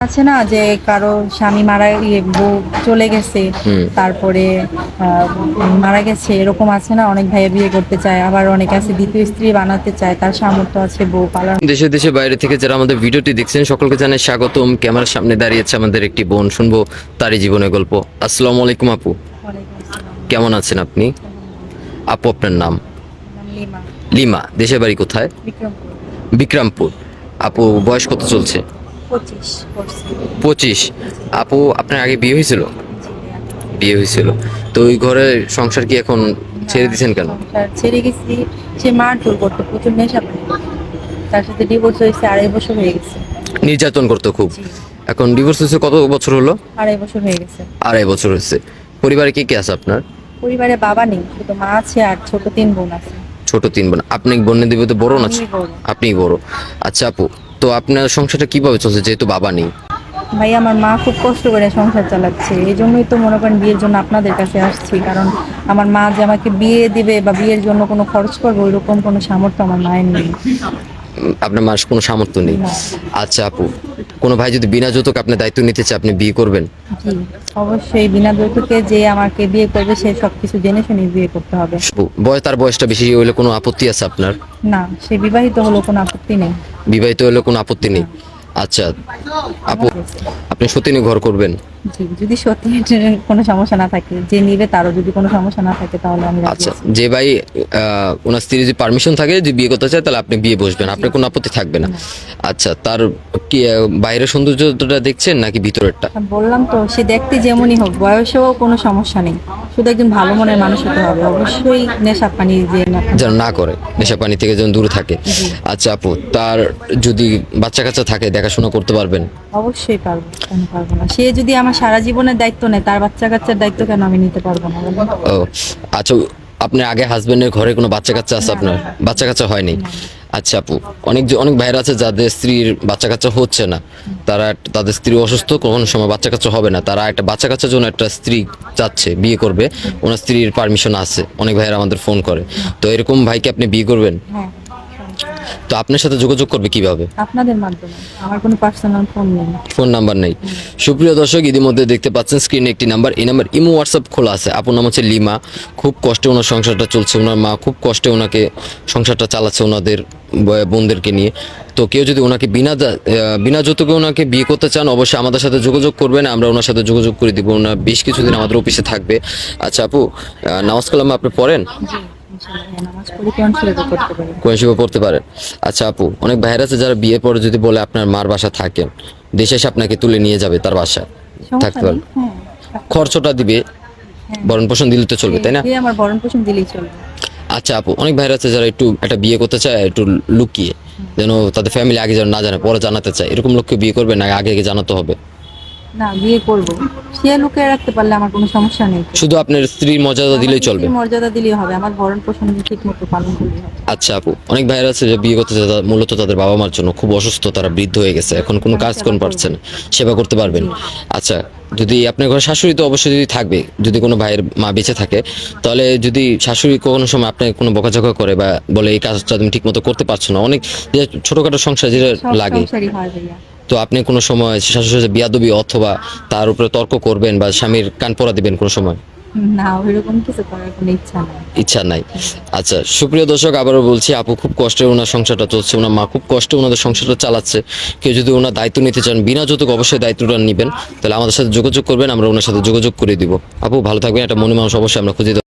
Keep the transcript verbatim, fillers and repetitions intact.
আছে না যে কারো স্বামী মারা ইয়ে বউ চলে গেছে, হুম। তারপরে আহ, মারা গেছে, এরকম আছে না, অনেক ভাইয়া বিয়ে করতে চায়, আবার অনেক আছে দ্বিতীয় স্ত্রী বানাতে চায়, তার সামর্থ্য আছে বউ পালার। দেশে দেশে বাইরে থেকে যারা আমাদের ভিডিওটি দেখছেন সকলকে জানাই স্বাগতম। ক্যামেরার সামনে দাঁড়িয়েছে আমাদের একটি বোন, শুনবো তারই জীবনের গল্প। আসসালামু আলাইকুম আপু, ওয়ালাইকুম আসসালাম। কেমন আছেন আপনি? আপু আপনার নাম? নাম লিমা। লিমা। দেশের বাড়ি কোথায়? বিক্রমপুর। বিক্রমপুর। আপু বয়স কত চলছে? পঁচিশ করছি। পঁচিশ। আপু আপনার আগে বিয়ে হয়েছিল? জি ভাইয়া। বিয়ে হয়েছিল, তো ওই ঘরে সংসার কি এখন ছেড়ে দিয়েছেন কেন? সংসার ছেড়ে গেছি, সে মারধর করতো, প্রচুর নেশা পানি করতো। তার সাথে ডিভোর্স হয়েছে, আড়াই বছর হয়ে গেছে। নির্যাতন করতো খুব। জি। এখন ডিভোর্স হয়েছে কত বছর হলো? আড়াই বছর হয়ে গেছে। আড়াই বছর হয়েছে। পরিবারে কে কে আছে আপনার? পরিবারে বাবা নেই, শুধু মা আছে আর ছোট তিন বোন আছে। ছোট তিন বোন। আপনি বোনের দিবে তো বড় না? আমিই বড়। আপনিই বড়। আচ্ছা আপু, তো আপনার সংসারটা কিভাবে চলছে যেহেতু বাবা নেই? ভাই আমার মা খুব কষ্ট করে সংসার চালাচ্ছে, এই জন্যই তো মনে করেন বিয়ের জন্য আপনাদের কাছে আসছি, কারণ আমার মা যে আমাকে বিয়ে দিবে বা বিয়ের জন্য কোনো খরচ করবে ওইরকম কোনো সামর্থ্য আমার মায়ের নেই। উম, আপনার মার কোনো সামর্থ্য নেই। না। আচ্ছা আপু, কোনো ভাই যদি বিনা যৌতুক আপনার দায়িত্ব নিতে চায় আপনি বিয়ে করবেন? জি, অবশ্যই বিনা যৌতুকে যে আমাকে বিয়ে করবে সে সবকিছু জেনে শুনে বিয়ে করতে হবে। আপু, বয়স তার বয়সটা বেশি হলে কোনো আপত্তি আছে আপনার? না, সে বিবাহিত হলো কোনো আপত্তি নেই। বিবাহিত হলে কোনো আপত্তি নেই। আচ্ছা আপু, আপনি সত্যি ঘর করবেন? জি, যদি সত্যি কোনো সমস্যা না থাকে, যে নিবে তারও যদি কোনো সমস্যা না থাকে তাহলে আমি রাজি আচ্ছা, আছি। যে ভাই আহ, ওনার স্ত্রীর যদি পারমিশন থাকে যে বিয়ে করতে চায় তাহলে আপনি বিয়ে বসবেন, আপনার কোনো আপত্তি থাকবে না? আচ্ছা, তার কি আহ, বাইরের সৌন্দর্যটা দেখছেন নাকি ভিতরেরটা? আমি বললাম তো, সে দেখতে যেমনই হোক বয়সেও কোনো সমস্যা নেই, শুধু একজন ভালো মনের মানুষ হতে হবে, অবশ্যই নেশা পানি যে না। যেন না করে, নেশা পানি থেকে যেন দূরে থাকে। জি। আচ্ছা আপু, তার যদি বাচ্চা কাচ্চা থাকে দেখাশোনা করতে পারবেন? অবশ্যই পারবো, কেন পারবো না? সে যদি আমার সারা জীবনের দায়িত্ব নেয়, তার বাচ্চা কাচ্চার দায়িত্ব কেন আমি নিতে পারবো না বলুন? ও আচ্ছা, আপনার আগে হাজবেন্ডের ঘরে কোনো বাচ্চা কাচ্চা আছে না। আপনার? বাচ্চা কাচ্চা হয়নি? না। আচ্ছা আপু, অনেক যে- অনেক ভাইরা আছে যাদের স্ত্রীর বাচ্চা কাচ্চা হচ্ছে না, তারা একটা- তাদের স্ত্রী অসুস্থ, কোনো সময় বাচ্চা কাচ্চা হবে না, তারা একটা বাচ্চা কাচ্চার জন্য একটা স্ত্রী চাচ্ছে, বিয়ে করবে, ওনার স্ত্রীর পারমিশন আছে, অনেক ভাইরা আমাদের ফোন করে, তো এরকম ভাইকে আপনি বিয়ে করবেন? হ্যাঁ, তো আপনার সাথে যোগাযোগ করবে কিভাবে? আপনাদের মাধ্যমে। আমার কোনো পার্সোনাল ফোন নেই। ফোন নাম্বার নেই। সুপ্রিয় দর্শক, ইতিমধ্যে দেখতে পাচ্ছেন স্ক্রিনে একটি নাম্বার, এই নাম্বার ইমো হোয়াটসঅ্যাপ খোলা আছে। আপুর নাম হচ্ছে লিমা, খুব কষ্টে ওনার সংসারটা চলছে, ওনার মা খুব কষ্টে ওনাকে সংসারটা চালাচ্ছে ওনাদের ব- বোনদেরকে নিয়ে। তো কেউ যদি ওনাকে বিনা দা- আহ, বিনা যৌতুকে ওনাকে বিয়ে করতে চান অবশ্যই আমাদের সাথে যোগাযোগ করবেন, আমরা ওনার সাথে যোগাযোগ করে দিব। ওনার বেশ কিছুদিন আমাদের অফিসে থাকবে। আচ্ছা আপু, আহ, নামাজ কালাম আপনি পড়েন? জি, ইনশাআল্লাহ, হ্যাঁ, নামাজ পড়ি, কোরআন শরীফও করতে পারি। কোন শিবা পড়তে পারেন? আচ্ছা আপু, অনেক ভাইয়ের আছে যারা বিয়ের পরে যদি বলে আপনার মার বাসা থাকেন, দেশে এসে আপনাকে তুলে নিয়ে যাবে তার বাসায়, সমস্যা থাকতে নেই, পারবেন? হ্যাঁ। খরচটা দিবে, ভরণ পোষণ দিলে তো চলবে, তাই না? সে আমার ভরণ পোষণ দিলেই চলবে। আচ্ছা আপু, অনেক ভাইরা আছে যারা একটু একটা বিয়ে করতে চায় একটু লুকিয়ে, যেন তাদের ফ্যামিলি আগে যেন না জানে, পরে জানাতে চায়, এরকম লোককে বিয়ে করবে না আগে আগে জানাতে হবে? না, বিয়ে করবো, সে লুকিয়ে রাখতে পারলে আমার কোনো সমস্যা নেই। শুধু আপনার স্ত্রীর মর্যাদা দিলেই চলবে? আমার মর্যাদা দিলেই হবে, আমার ভরণ পোষণ ঠিক মতো পালন করলেই হবে। আচ্ছা আপু, অনেক ভাইরা আছে যে বিয়ে করতে চায় তারা মূলত তাদের বাবা মার জন্য, খুব অসুস্থ, তারা বৃদ্ধ হয়ে গেছে, এখন কোনো কাজ করতে পারছে না, সেবা করতে পারবেন? আচ্ছা, যদি আপনার ঘরে শাশুড়ি তো অবশ্যই যদি থাকবে, যদি কোনো ভাইয়ের মা বেঁচে থাকে, তাহলে যদি শাশুড়ি কোনো সময় আপনাকে কোনো বকাঝকা করে বা বলে এই কাজটা তুমি ঠিক মতো করতে পারছো না, অনেক যে ছোটখাটো সংসার যেটা সব লাগে, সংসারই হয় ভাইয়া। তো আপনি কোনো সময় শাশুড়ির সাথে বিয়াদবি অথবা তার উপরে তর্ক করবেন বা স্বামীর কান পড়া দিবেন কোনো সময়? না, ওইরকম কিছু করার কোনো ইচ্ছা নেই। ইচ্ছা নাই। আচ্ছা সুপ্রিয় দর্শক, আবারও বলছি, আপু খুব কষ্টে ওনার সংসারটা চলছে, ওনার মা খুব কষ্টে ওনাদের সংসারটা চালাচ্ছে। কেউ যদি ওনার দায়িত্ব নিতে চান বিনা যৌতুক অবশ্যই দায়িত্বটা নেবেন, তাহলে আমাদের সাথে যোগাযোগ করবেন, আমরা ওনার সাথে যোগাযোগ করে দিব। আপু ভালো থাকবেন, একটা মনে মানুষ অবশ্যই আমরা খুঁজে দেব।